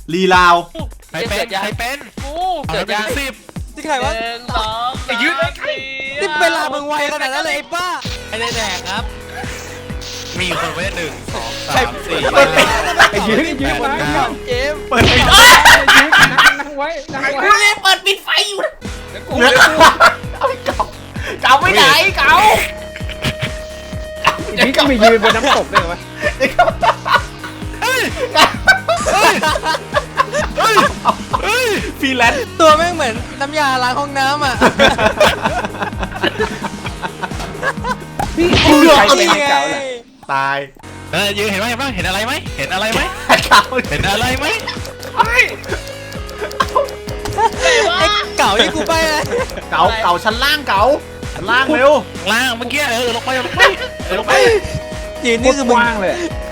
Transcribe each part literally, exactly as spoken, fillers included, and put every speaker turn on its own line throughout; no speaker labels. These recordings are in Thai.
ลีลาว
ใครเป็นใครเป็นกูเกิดยังสิบ
ที่ใครวะ
หนึ่งสองสาม
ยืด
สี่
นี่เวลามึงไวขนาดนั้นเลยไอ้บ้า
ไม่ได้แดกครับ มีคนไว้หนึ่งสองสามสี่
ไอ้ยืนไอ้ยืนมา
เกม
เปิดปิด
ยืนนั่งนั่งไว้นั่งไว้
กูเลยเปิดปิดไฟอยู่นะเหลือเอาเก่าเก่าไปไหนเก่า
ไอ้ยืนก็มียืนบนน้ำตกได้ไหม
ฟรีแลนซ์
ตัวแม่งเหมือนน้ำยาล้างห้องน้ำอ่ะ
พี่
เหลือ
ใคร
เอา
เป็น
ดิ
เก่าล่ะ
ตาย
เออยืนเห็นไหมเห็นไหมเห็นอะไรไหมเห็นอะไรไหม
เก่า
เห็นอะไรไหม
ไอ้เก่าที่กูไปเลย
เก่าเก่าชั้นล่างเก่าชั้นล่างเร็ว
ล่างเมื่อกี้เออลงไปลงไปเออลงไป
ยืน
นี่
นี่
คื
คือ อ
มึ
มึง
ว่างเลย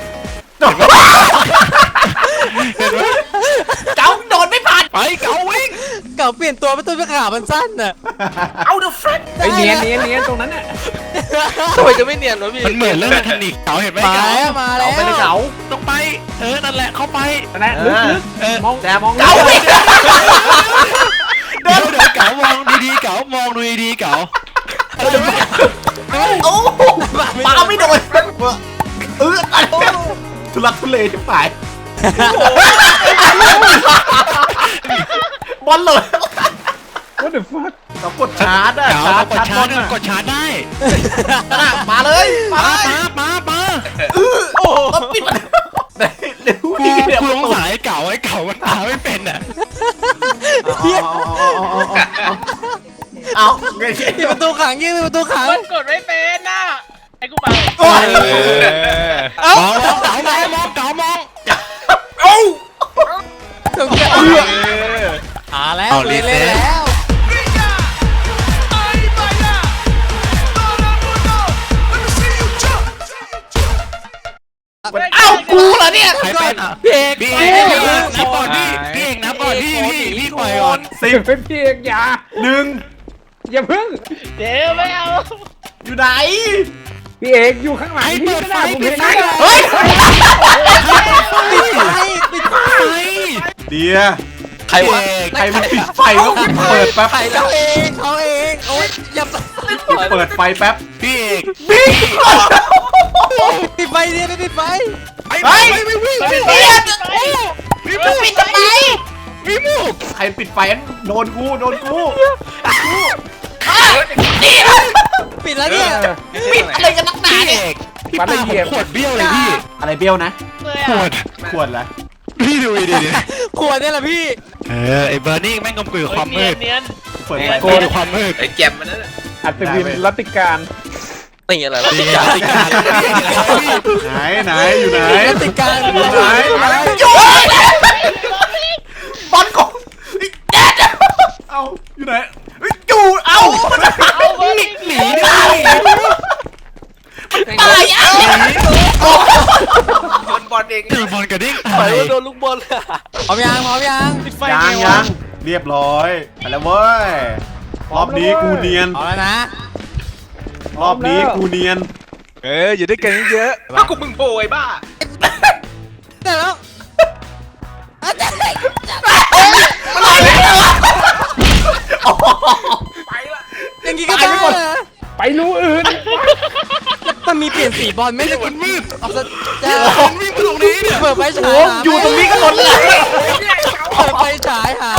เห็นไหม
เก่าโดนไม่ผ่าน
ไปเก๋าวิ่ง
เก่าเปลี่ยนตัวเป็นตัวเป็นขามันสั้นอ่ะ
เอาเดอะเฟรน
ไอ้เนียนเนียนเนียนตรงนั้นน่ะ
ทำไมจะไม่เนียนวะพี่
มันเหมือนเรื่องเทคนิคเก๋าเห็นไหม
มา
เก๋า
แล้วมาแล้
เก่าว ไปเลยเก่า
ต้องไปเออนั่นแหละเข้าไป
นะลึกลึก
เออ
มอง
แต่
มอง
เก่า
ลึ
ไม่
ก
เดี๋ยวเดี๋ยวเก๋ามองดีๆเก๋ามองดูดีๆเก๋า
โอ้ปาไม่โดนเออทุลักทุเลจะฝ่ายบอลเลย
ว่าเดี๋ยวฟัด
เรากดชาร์จอะ
เก๋า
ชาร์จ
กด
ชาร์จ
ชา
บอ
ร์
ล
จกดชาร์จได้
มาเลยมา
มา
เลย
มามามา
โอ้ปิดเร็ว
กู
พี่เดี๋ยว
กูสงสัยเก๋าไอ้เก๋ามันตาไม่เป็นอ่ะ
เอาไง
ปิดประตูขังยืนปิดประตูขัง
มันกดไม่เป็นน่ะไอ้กูไป
มองมองเก๋ามองมองเก๋ามอง
เอ้า
ถึงจะอ่าแล้วเล่นแล้ว
เอ้ากูเหรอเนี่ย
ใครเป็นอ่ะ
พี่เอก
พี่เอกพี่เอกนับก่อนพี่พี่เอกนับก่อนพี่พี่พี่ปล่อยก่อน
สิบ
เป็นพี่เอกอย่า
หนึ่ง
อย่าพึ่ง
เดี๋ยวไม่เอา
อยู่ไหน
พี่เอกอยู่ข้างหลัง
ไอ้
พี่
เปิด
ก็
ไฟ
ได้ผม
ปิ
เห็
ด
น
ไฟ
นะ
เฮ้ย
ปิดไฟปิดไฟ
เดีย
ใครวะ
ใครมันปิดไฟแล้วเปิดแป๊บ
เขาเองเขาเองโอ๊ยอย่า
เปิดไฟแป๊บ
พี่เอก
บิ๊ก
ปิดไฟเนี่ยไม่ปิดไฟ
ไอ้
เฮ้ย
ไม่วิ่ง
ปิ
ไม่
ด
วิ่ง
ไฟ
พี่มูปิดทำไมพี่มู
ใครปิดไฟโดนกูโดนกู
ปิดแล้วเนี่ย
ปิดอะไรกันนักหนา
พี่เอ
เนี่ย
กพี่ปาผมขวดเบี้ยวเลยพี่
อะไรเบี้ยวนะ
เลย
ขว
อ่ะ
ด
ขวดละ
พี่ดูดิดิ
ขวดเนี่ยแหละพี่
เออไอ้เบอร์นี่แม่งกำกือความ
เนี
มื
ยน
ด
เนียน
เปิดไฟ
โกนความมืด
ไอ้แจมมันนั่น
อัศวินรัตติการ
ตีอะไรวะ
ตีกันตีกัน
ไหนไหนอยู่ไหน
ติดการ
อยู่ไหนอยู่บอลของเอาอยู่ไหนอยู่เอา
เอาเบอร์นี่หนี
ตายตายเอา
โดนบอลเอง
คือบอลกระดิ่ง
ปล่อยว่าโดนลูกบอล
พร้อมยังพร้อมยัง
ยังยังเรียบร้อยไปแล้วเว้ยรอบนี้กูเนียน
เอาแล้วนะ
รอบนี้กูเนียน
เอออยู่ด้วยกันเยอะ
ถ้ากูมึงโผล่ไอ้บ้า
แต่แล้ว
ไปละ
อย่างงี้ก็ได้นะ
ไปรูอื่น
มันมีเปลี่ยนสีบอลไหม่ได้มันมืดออกจะจะ
มันวิ่งมาตรงนี้เนี่ย
เปิดไฟฉาย
โอ้อยู่ตรงนี้กันหมดเลย
เปิดไฟฉายหา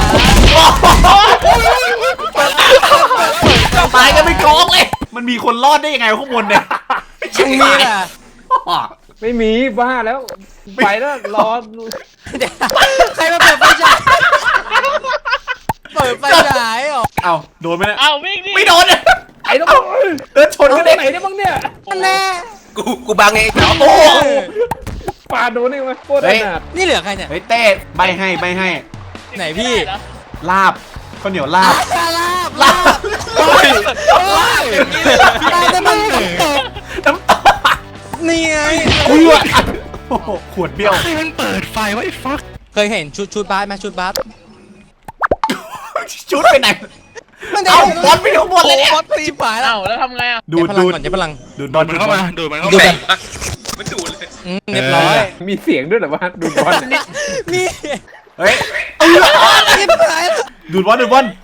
ตายกันไม่กองเลย มันมีคนรอดได้ยังไงข้างบนเนี่ย
ช่างมีอ่ะ
ไม่มีบ้าแล้วไปแล้วรอ
ใครมาเปิดไฟฉายเปิดไฟฉายเหรอ
เอาโดนไหมเนี่ย
เอาวิ่งดิ
ไม่โดน
ไอ้ต้อง
เดินชน
เอา
กัน
ไห
เด็ก
นได้บ้างเนี่ย
แน่
กูกูบังเองเดี๋ยว
โอ้
ปาโดนนี่ไหมโคตรอนาถ
นี่เหลือใครเนี่ย
เฮ้ยเต้ใบให้ใบให้
ไหนพี่
ลาบข้าวเหนียวลาบ
ลาบลาบลาบลาบแต่มันตก
น้ำตา
นี่ไง
เพื่อโอ้โหขวดเบี้ยว
ใครมันเปิดไฟวะไอ้ฟัก
เคยเห็นชุดชุดบาสไหมชุดบาส
ชุดไปไหน
มัน
เอาบอลไปข้างบนเลยเนี่ย
บอลตีป่ายแล้ว
เอ้าแล้วทำไงอ่ะ
ดูด
ดู
ดู
ด
ด
ก่อนจะพลัง
ดูดบ
ดู
อ
ด
ล
มันเข้ามาดูดมันเข้า
ดู
มา
แบบ
มันดูดเลย
เรียบร้อย
มีเสียงด้วยเหรอวะดูบอล
นี่
เเฮ้ย
กินหายแล้ว
ดูดบอลดูดบอล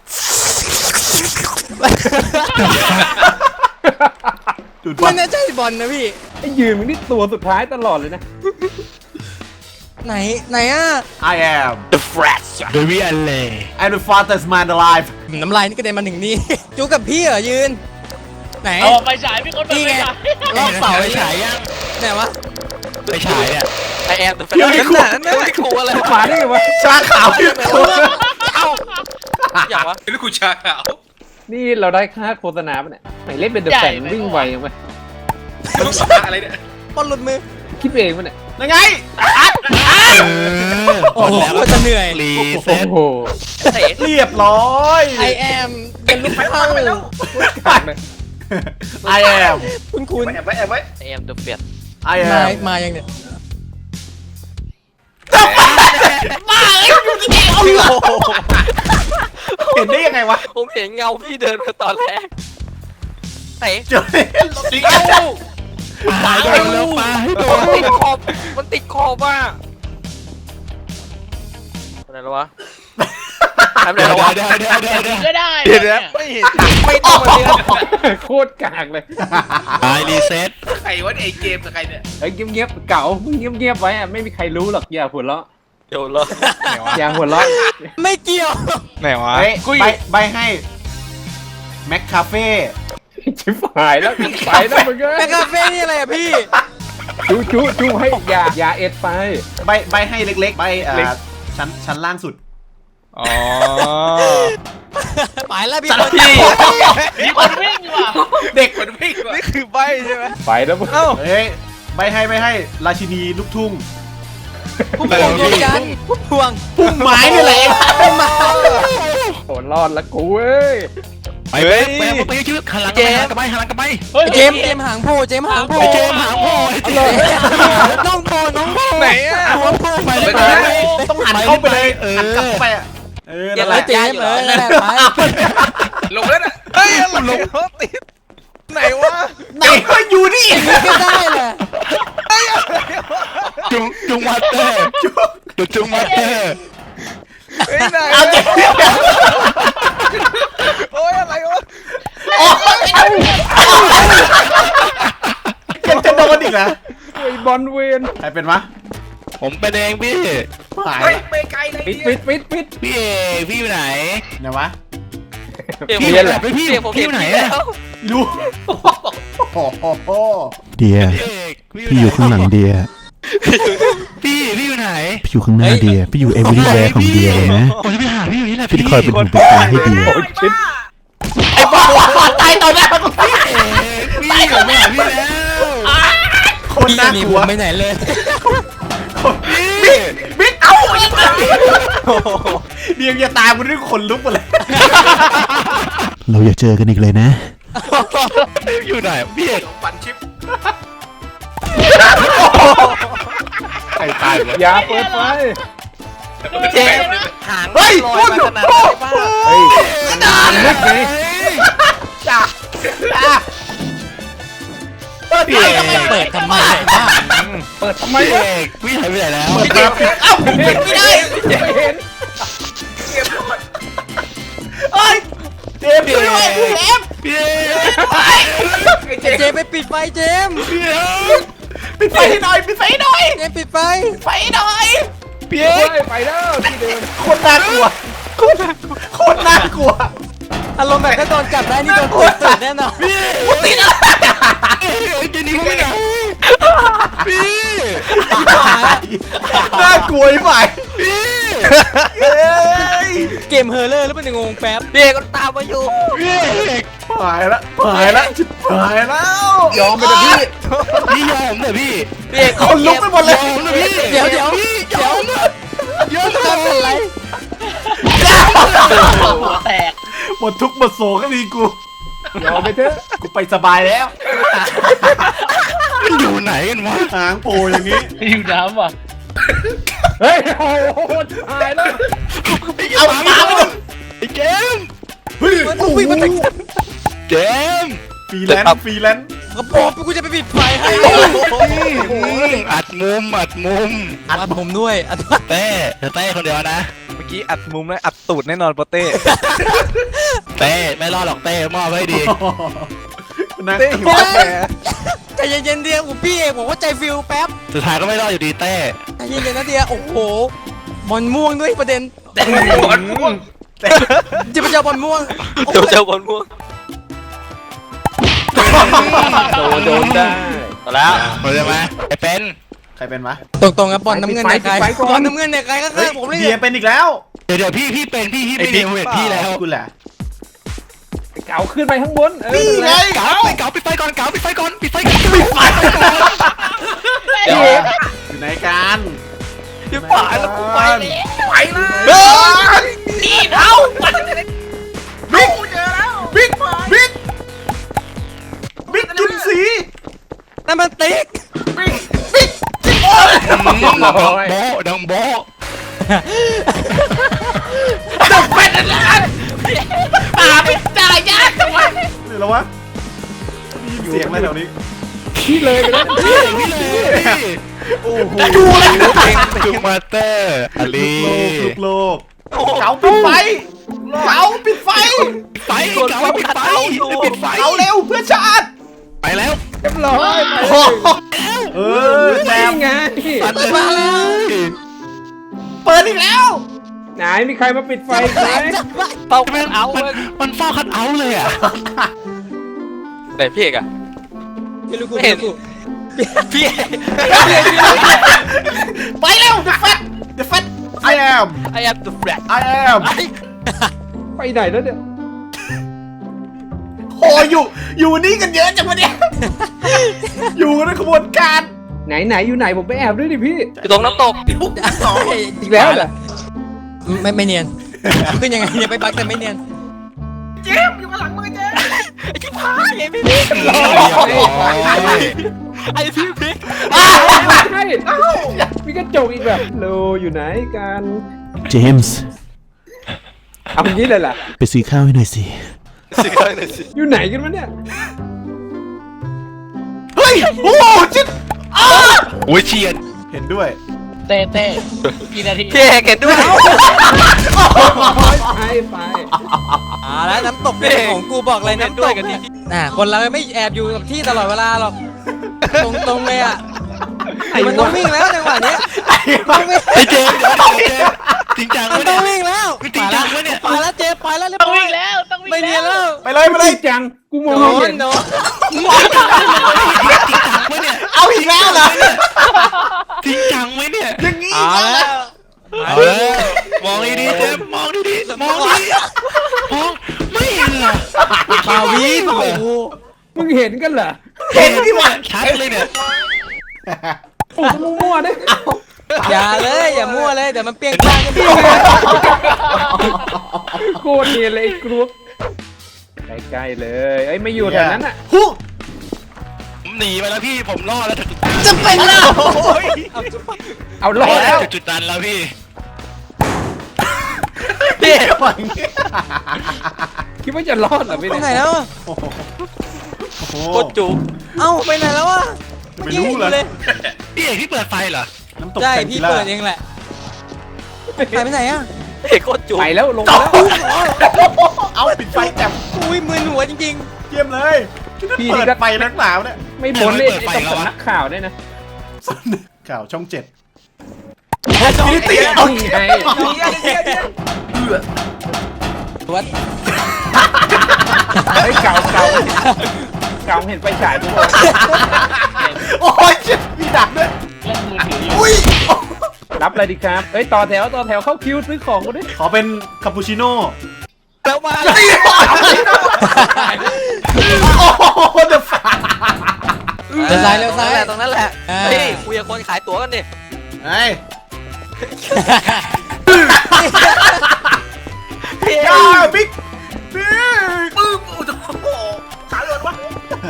ดูดบอ
มั
ล
นน่าใช่บอลนะพี่
ไอ้ยืนมึงนี่ตัวสุดท้ายตลอดเลยนะ
ไหนไหนอ่ะ
I am
The Fresh โดยวิอันเล่
I'm the fastest man alive
น้ำลายนี่กระเด็นมาถึงนี่ จูกับพี่เหรอยืน ไหน
เอาไปฉายพี่คนเปิด
นี่
ไป
ไง
ฉาย
รอบเสา
ไป
ไอ้
ฉายยัง
ไหนวะ
ไปฉายเนี่ย
ไอแอมเดอะแฟ
เดี๋ยวนี่
น
กู
ไม่ขู่อะไร
มาได้ไงวะ
ชาขาวที่ตัว
เอ้าอย่างวะนี่กูชาขาว
นี่เราได้ค่าโฆษณาปะเนี่ยไหนเล่นเป็นเดอะแฟนวิ่งไวยังไง
มึงชาอะไรเนี่ย
บอลหลุดมือ
คิดเองปะเนี่ย
ยังไงอัด
เออ
โอ้โหจะเหนื่อย
รี
โอ้
เซ็ต
โห
เตะ
เรียบร้อย
I am เป็นลูกเข้า
ขาดเลย
I am
คุณคุณ
แอบไว้แอบไว้ไอแอมเดอะแฟน
I
มา
am
มายังเนี่ย
มาเอ้ยอยู่ที่ไหนเอาเหรอเห็นได้ยังไงวะ
ผมเห็นเงาพี่เดินมาตอนแรกเตะ
เจอจริง
เอ้า
ปาให้โดนแล้วปาให้โด
มัน นติดขอบมันติดขอบอ่ะอะไรแล้ววะทำอะไร
เดี๋ยว
แล้ววะ
เดี๋ยวเดี๋ยวเดี๋ยวเดี๋ยว
ก็ได้
เดี๋ยวเดี๋ยวไม่เห็น
ไม่ต้องมาเรียน
โคตรกากเลย
ตายรีเซ็ต
ใครวะไอเกมกับใครเนี่ย
เฮ้ยเงียบๆเก่ามึงเงียบๆไว้อะไม่มีใครรู้หรอกอย่าหัวเราะ
เดี๋ยวรอ
อย่าหัวเราะ
ไม่เกี่ยว
ไหนวะ
เฮ้ยใบใบให้แม็กคาเฟ่
ชิบหายแล้วไปแล้วมึงเอ้
แม
ย
คคาเฟ่นี่อะไรอะพี่
จูจูจูให้ยายาเอ็ดไป
ใบใบให้เล็กๆใบเอ่
เล็ก
อชั้นชั้นล่างสุด
อ๋อ
ไปแล้วพี่
จัด
บอล
พี่
มีคนวิ่งว่ะ
เด็ก
คนวิ่งว่ะ
นี่คือใบใช่ไหม
ไปแล้วมึง
เฮ้ยใบให้ไม่ให้ราชินีลูกทุ่ง
พุ่มพวงดวงจันทร์พุ่มพวง
พุ่มไม้นี่แหละ
พุ่มไม้
โหรอดละกูเอ้ย
ไปไปไปไปชื่อหันหลังไปหันหลังกลับไปหันหลังกลับไป
เจมส์เจมส์หางโพเจมส์หางโพ
ไปเจมหางพ่อ
น้องโพน้องโพ
ไหนอ่ะ
น้องโพ
ไป
ไป
เล
เลย ย
ต้องหันเข้าไปเลย
เออ
หันกลับเข้าไปอ่ะเออ
เดี๋
นั่
ยวน
แห
แล้
ละ
วเจมส์เออนั่นแหละไป
ลงแล้วน่ะ
เฮ้ยหลงรถติดไหนวะ
ไหนก็อยู่นี่
ก็ได้แหละ
จุงจุงมาเตอร์จุงจุงมาเตอร์เฮ้ยไหน
เอาเจ็บ
โอ้ยอะไรวะ
โอ้ยยังจะโดนอีกนะ
ไอ้บอลเวน
ใครเป็นวะ
ผมเป็นเองพี่
หาย
เฮ้ยไปไกลเลย
ปิดปิดปิดปิด
พี่เอกพี่อยู่ไหน
ไหนวะ
พี่อยู่ไหนพี่พี่อยู่ไหนอะ
รู้โอ้โห
เดีย
พี่เอก
พี่อยู่ข้างหลังเดีย
พี่พี่อยู่ไหน
พี่อยู่ข้างหน้าเดีย พี่อยู่ everywhere ของเดียเลยนะ
ผมจะไปหาพี่อยู่นี่แหละ
พี่
พี่
คอยเป็นหูเป็นตาให้เดีย
โอ้ยชิด
ไอ้บ้าตายต่อหน้ากู
พี่เอกพี่ผมไปหาพี่แล้ว
คน
พี่
น่า
นี่
ก
ผ
ลัว
มไปไหนเลย
พี่
บิ๊กเอาอีกแล้วเดียงอย่าตามกูด้วยขนลุกหมดเลย
เราอย่าเจอกันอีกเลยนะ
อยู่ไหนพี่เอก
ปั่นชิป
ไอ้ตายวะ
อย่าเปิดไฟ
เจ๊หาง
เฮ้ย
ลอยมาขนาดไหนบ้า
เฮ้ยกระดานลึกไง
จ้าจ้าพี่เอก
เปิดทำไมบ้า
เปิดทำไม
พี่
วะ
เอกพี่หายไปไหนแล้ว
เปิดมาปิดเอ้าปิดไม่ได้
ไม่เห็น
เก็บหมด
เฮ้ยเจมส์ช่วยด้วยเจมส์
พี่เอก
เจมส์ไปปิดไฟเจมส์
พี่เอก
ปิดไฟให้หน่อยปิดไฟให้หน่อย
เจมส์ปิดไฟ
ไฟให้หน่อย
พี่เอ
เฮ้
ก
ยไปแล้วที่เดิม
โคตรน่ากลัวโคตรโคตรน่ากลัว
อารมณ์แบบถ้าโดนจับได้นี่โดนติดสุดแน่นอน
พี่
ติดอะไร
จะหนีไปไหนพี่
น่ากลัวไอ้ฝ่าย
พี่
เฮ้ย
เกมเฮอร์เลอร์หรือเป็นงงแป๊บ
เด็กก็ตามมาอยู่
พี่เอก
หายละหายละชิบหายแล้ว
ยอมไปเลยพี่
พี่ยอมเถอะพี่
เด็ก
คนลุกไปหมดเลย
ยอมเถอะพี่
เดี๋ยวเดี๋ยว
พี่ย
เดี๋ย
อ
ว
มเถอะยอมเถ
ทำอะไร
อะ
หัวแตก
หมดทุกข์หมดโศกก็มีกู
ยอมไปเถอะ
กูไปสบายแล้ว
มันอยู่ไหนกันวะ
หางโผล่อย่างนี้
อยู่น้ำว่ะ
เฮ้ยโอ้โหตายแล้ว
เอาหมาไปเลย
ไอ้เกม
เฮ้ย
มันต้องวิ่งมาจาก
เกม
ฟรีแลนซ์ฟรีแลนซ์
เกระโปรงกูจะไปปิดไฟให้
อัดมุมอัดมุม
อัดผมด้วยอัด
เต้เต้คนเดียวนะ
เมื่อกี้อัดมุมแล้วอัดตูดแน่นอนโปเต้
เต้ไม่รอดหรอกเต้มอบไว้ดี
นะ
เต้หิวกาแฟ
ใจเย็นๆเดียวผมพี่เอกผมว่าใจฟิลแป๊บ
สุดท้ายก็ไม่รอดอยู่ดีเต้
ใจเย็นๆนะเดียวโอ้โหบอลม่วงด้วยประเด็น
บอลม่วง
จะไปเจอบอลม่วง
เจ้าเจ้าบอลม่วง
โดนโดนได้
เอาแล้ว
เข้าใจไหมไอเป็น
ใครเป็นวะ
ตรงๆครับบอลน้ำเงินเนี่ยใครบอลน้ำเงินเนี่ยใครก็
เฮ้
คื
ย
อผมเลย
เดียเป็นอีกแล้ว
เดี๋ยวเดี๋ยวพี่พี่เป็นพี่พี่ไม่เดียวเห็นพี่แล้ว
กูแหละ
เก๋าขึ้นไปข้างบนเออ
นี่ไง
เก๋าไปเก๋าปิดไฟก่อนเก๋าปิดไฟก่อนปิดไฟก่อนปิดไฟ
เดี๋ยวอยู่ไหนกัน
พี่ป่าแล้วกูไปเลย
ไปเลยนี่เอาบิ๊กเจอแล้วบิ๊กบิ๊กบิ๊กกินสี
นั่นมันติ๊ก
บิ๊กบิ๊กโอ้ย
ดังโบดังโบ
จะเป็นอะไรป่าเป็นจ่ายยากจังวะหรือแล้ววะมีเสียงอะไรแถวนี้
พี่เลยไปแล้ว
พี่พี่เลยพี่
โอ้โห
ดูเลยคือมาเตอร์อลี
ลูกโลกเก๋าปิดไฟเก๋าปิดไฟ
ไฟเก๋าปิดไฟปิดไฟ
เก๋าเร็วเพื่อชาติ
ไปแล้ว
เรียบร้อยไป
เออแจม
ไง
ปัดเลย
เปิดอีกแล้ว
ไหนมีใครมาปิดไฟไหม
เป้า
มัน
เอา
มันมันเฝ้าคัดเอาเลยอ่ะ
ไหนพี่เอกอะ
ไม่รู้กู
ไม่เห็น พี่
ไปเร็ว the fat the fat I am
I am the flat
I am
ไปไหนแล้วเนี่ย
โอ้อยู่อยู่นี่กันเยอะจังวะเนี่ยอยู่ในขบวนการ
ไหนไหนอยู่ไหนผมไปแอบด้วยดิพี่
อยู่ตรงน้ำตก
อีกแล้วเหรอ
ไม่ไม่เนียนขึ้นยังไงเนี่ยไปบักแต่ไม่เนียน
ไอ้ที่พายไอ้พี่พี่ไอ้พี่พี่
ใช่มีกระจกอีกแบบโลอยู่ไหนกัน
เจมส์
เอาอย่างนี้เลยล่ะ
ไปซื้อข้าวให้หน่อยสิ
สิข้างหนึ่งสิ
อยู่ไหนกันวะเนี่ย
เฮ้ยโอ้จิ๊ด
โอ้ยเฉียด
เห็นด้วย
เต้เต้กี่นาทีพี่เอกเห็นด้วย
ไปไป
อ่าแล้วน้ำตกเป็นของกูบอกเลย
เห็น
น้ำ
ด้
ต
วย
ก
กันที
น่ะคนเราไม่แอบอยู่กับที่ตลอดเวลาหรอกตรงๆเลยอ่ะ
ไอ้
มันต้อ
วะ
งวิ่งแล้วจังหวะเนี้ย
ไอเจมจริงจัง
มัน
วะ
ต้
เนี่
อย งวิ่งแล้ว
จริงจังวะเนี่ย
ไปแล้วเจไปแล้วเรียบร้อยวิ่งแล้วต้องวิ่งไม่เนียนแล้ว
ไปเลยไปเลย
จริงจังกูมอง
โด
ไม่เห็
น
น
โดน
วะเนี่ย
เอาอีกแล้วเหรอ
จริงจังไหมเนี่ย
อย่างนี้
เอาแล้ว
เอาแล้วมองดีๆเจมมองดีๆมองดีมองไม่เห็นเหรอ
ปาวีโอ้โห
มึงเห็นกันเหรอ
เห็นที่วะ
ชัดเลยเนี่ย
โอ้โหมั่วๆเนี่ย
อย่าเลยอย่ามั่วเลยเดี๋ยวมันเปรี้ยงป้างกันพี่
โคตรเนียนเลยไอ้กรุ๊ปใกล้ๆเลยไอ้ยไม่อยู่แถวนั้นอ่ะ
ฮู้
ผมหนีไปแล้วพี่ผมรอดแล้ว
จะเป็นแล้ว
เอารอดแล้ว
จุดนั้นแล้วพี่
พี่อย่างนี้
คิดว่าจะรอดเหรอพี่
ไป
เนี่ย
ไหนแล้วอะ
โอ้โหโอ้โห
โคตรจุก
เอ้าไปไหนแล้วอะ
ไม่รู้เลย
พี่เอกที่เปิดไฟเหรอ
น้ำตก
ใช่
แซน
พี่
จิล่า
เปิดเองแหละไปไปไหนอะ
เอกโคตรจุก
ไปแล้วลง
จ
แล้ว
เอาปิดไฟแจ่ม
อุ้ยมึนหัวจริง
เยี่ยมเลยเปิดไฟนักหนาวเนี่ย
ไม่พ้นเลยไอ้ตรงสำนักข่าวเนี่ยนะ
ข่าวช่องเจ็ด
ๆ
นี่ตีเอา
นี่ไง
วัด
เฮ้ยเก่าเก่าเก่าเห็นไฟฉายทุกคน
โอ้ยเจ็บมีดักด้วยอุ้ย
รับอะไรดีครับเอ้ยต่อแถวต่อแถวเข้าคิวซื้อของกูดิ
ขอเป็นคาปูชิโน่
แล้วมา
โอ้โหเดอะฟ้า
เลี้ยวซ้ายเลี้ยวซ้าย
ตรงนั้นแหละ
อ่า
เฮ้ยคุยกับคนขายตั๋วกันดิ
ไอ้
พี่
ยาบิ๊กบิ๊กปึ๊บโอ้โหขาหลุดวะ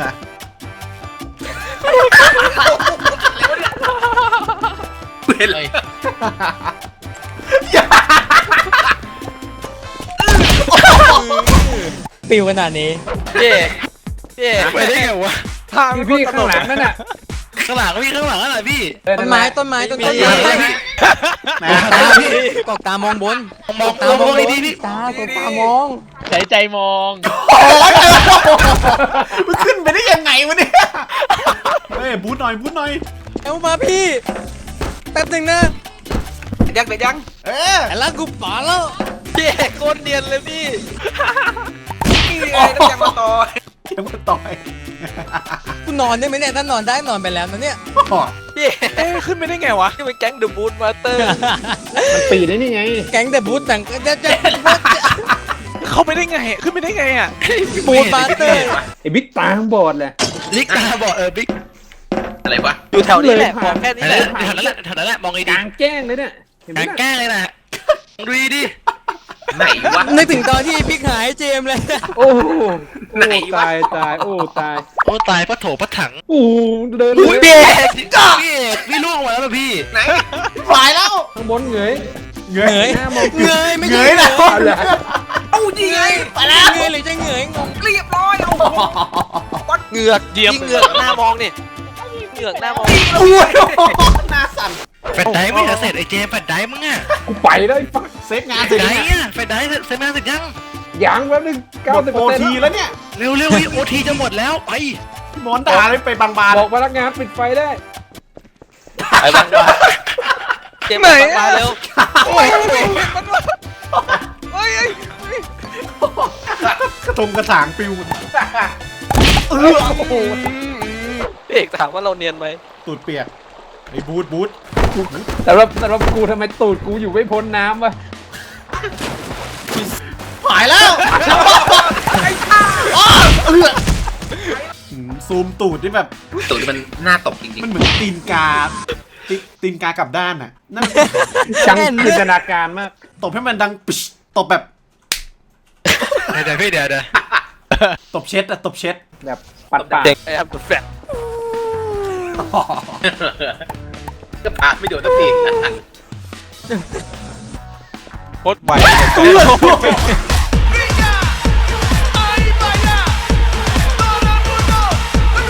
เป็นเลย
ปิวขนาดนี้
พี่เอกพี่เอก
ไปได้ไงวะ
ทาง
พี่พี่ข้างหลังนั่นน่ะ
ข้างหลังพี่ข้างหลังอะไรพี่
เออ
ต้
นั่
น
นแห
ไม้
ละ
ต้นไม้ต้น
มี
ต้น
มี
ไม้
มี
แหม
กอกตามองบน
มองมองมองดีๆพี่
ตากอกตามอง
ใจใจมอง
โอ้ยมันขึ้นไปได้ยังไงวะเนี่ยเฮ้ยบูทหน่อยบูทหน่อย
เอามาพี่แป๊บหนึ่งนะ
ยังเด็ดยัง
เออ
แต่ละกูป๋าแล้ว
พี่เอกโคตรเนียนเลยพี่นี่ไงน้ำยังมาต่อ
ยังมาต่อย
กูนอนได้ไหมเนี่ยถ้านอนได้นอนไปแล้วนะเนี่ย
พี่
เอ๊ะขึ้นไปได้ไงวะ
นี่มันแก๊งเดอะบูทมาสเตอร์
มันปีได้นี่ไง
แก๊งแต่บูธแต่งจะจะ
เข้าไปได้ไงขึ้นไปได้ไงอ่ะ
บูธมาสเตอร์
ไอ้บิ๊กตาข้างบอดเลย
ลิกตาบอกเออบิ๊ก
อะไรวะอยู่แถวนี้แหละบอกแค่นี้
แถ
แห
ว
ละ
นั้นแหละแถวนั้นแหละมอง
ก
ดี
ลางแจ้งเลยเนี่ยเห็นไหม
ๆกลาง
น่ะ
แก้เลยนะดูดิ
ไหนวะ
นึกถึงตอนที่พริกหายเจมส์เลย
โอ้โห
ไหน
โอ้
วะ
ตายตายโอ้ตาย
โอ้ตายพระโถพระถัง
โอ้โหเดิน
อุ้ยเบีย
พี่เอกพี่ล่วงมาแล้วป่ะพี่
ไหน
ตายแล้ว
ข้างบนเหงย
เง
เหง
ย
ย
หน้ามอง
เหงยไม่
เง
ใช่
ยนะ
เอาเลย
เอ้าดีไงไปแล้ว
เหงยหรือจะเหงยงง
เรียบร้อยเอาเหงือกเดียมเหงือกหน้ามองนี่เหงือกหน้ามอง
อุ้ยหน้าสั่น
แฟนไดไม่เสร็จไอ้เจมแฟนไดมึงอ่ะ
กูไปแล้วไอ้ฟัก
เซฟงาน
แฟ
เสร็จ
นได
แล้วเนี่ย
อ่ะแฟนไดเสร็จมาเสร็จยัง
ยังแป๊บนึง
ห
เก้าม
ด
สิบ
โอ
เปอร์เซ็น
ที
ต์
แล้วเนี่ย
เร็วเร็วโอทีจะหมดแล้วไป
หมอนด่าเลยไปบางบาน
บอกพนักงานปิดไฟได้
ไปบ้างวะเจมส์มาเร็ว
โอ้ยมันวะเฮ้ย
กระทงกระถางปิวเออโอ้โห
พี่เอกถามว่าเราเนียนไหม
ตูดเปียกไอ้บูทบูท
แต่ว่าแต่ว่ากูทำไมตูดกูอยู่ไม่พ้นน้ำวะ
หายแล้วไอ้ข้าเออซูมตูดนี่แบบ
ตูดมันหน้าตกจริง
มันเหมือนตีนกาตีตีนกากลับด้านน่ะนั่น
ช่างจินตนาการมาก
ตบให้มันดังปิชตบแบบ
เดี๋ยวพี่เดี๋ยวเดี๋ยว
ตบเช็ดอะตบเช็ด
แบบปัดปาก
ๆเด็กไอ้ครับตัวแฟนก็ผ่านไม่โดนสักที
โคตรไว
เออ